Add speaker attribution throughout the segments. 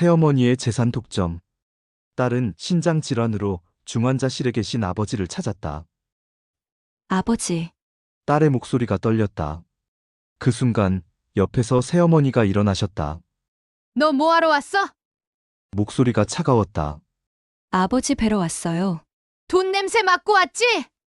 Speaker 1: 새어머니의 재산 독점. 딸은 신장 질환으로 중환자실에 계신 아버지를 찾았다.
Speaker 2: 아버지,
Speaker 1: 딸의 목소리가 떨렸다. 그 순간 옆에서 새어머니가 일어나셨다.
Speaker 3: 너 뭐하러 왔어?
Speaker 1: 목소리가 차가웠다.
Speaker 2: 아버지 뵈러 왔어요.
Speaker 3: 돈 냄새 맡고 왔지?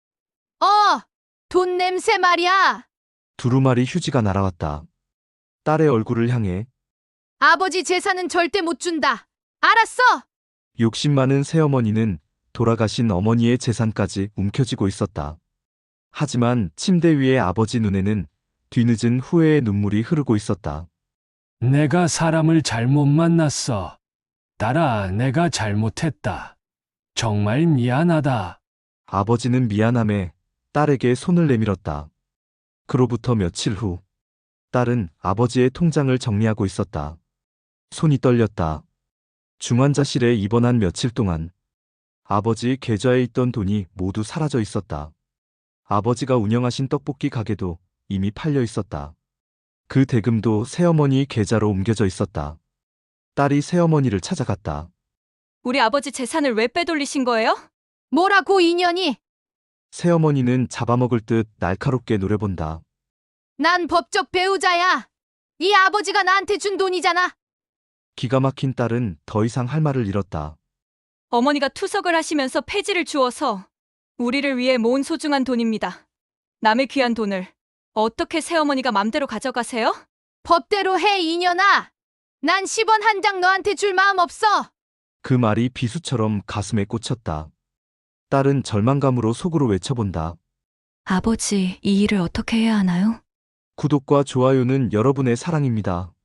Speaker 3: 돈 냄새 말이야.
Speaker 1: 두루마리 휴지가 날아왔다. 딸의 얼굴을 향해
Speaker 3: 아버지 재산은 절대 못 준다. 알았어?
Speaker 1: 욕심 많은 새어머니는 돌아가신 어머니의 재산까지 움켜쥐고 있었다. 하지만 침대 위의 아버지 눈에는 뒤늦은 후회의 눈물이 흐르고 있었다.
Speaker 4: 내가 사람을 잘못 만났어. 딸아, 내가 잘못했다. 정말 미안하다.
Speaker 1: 아버지는 미안함에 딸에게 손을 내밀었다. 그로부터 며칠 후, 딸은 아버지의 통장을 정리하고 있었다. 손이 떨렸다. 중환자실에 입원한 며칠 동안 아버지 계좌에 있던 돈이 모두 사라져 있었다. 아버지가 운영하신 떡볶이 가게도 이미 팔려 있었다. 그 대금도 새어머니 계좌로 옮겨져 있었다. 딸이 새어머니를 찾아갔다.
Speaker 2: 우리 아버지 재산을 왜 빼돌리신 거예요?
Speaker 3: 뭐라고 인연이?
Speaker 1: 새어머니는 잡아먹을 듯 날카롭게 노려본다.
Speaker 3: 난 법적 배우자야. 이 아버지가 나한테 준 돈이잖아.
Speaker 1: 기가 막힌 딸은 더 이상 할 말을 잃었다.
Speaker 2: 어머니가 투석을 하시면서 폐지를 주어서 우리를 위해 모은 소중한 돈입니다. 남의 귀한 돈을 어떻게 새어머니가 맘대로 가져가세요?
Speaker 3: 법대로 해, 이년아. 난 10원 한 장 너한테 줄 마음 없어.
Speaker 1: 그 말이 비수처럼 가슴에 꽂혔다. 딸은 절망감으로 속으로 외쳐본다.
Speaker 2: 아버지, 이 일을 어떻게 해야 하나요?
Speaker 1: 구독과 좋아요는 여러분의 사랑입니다.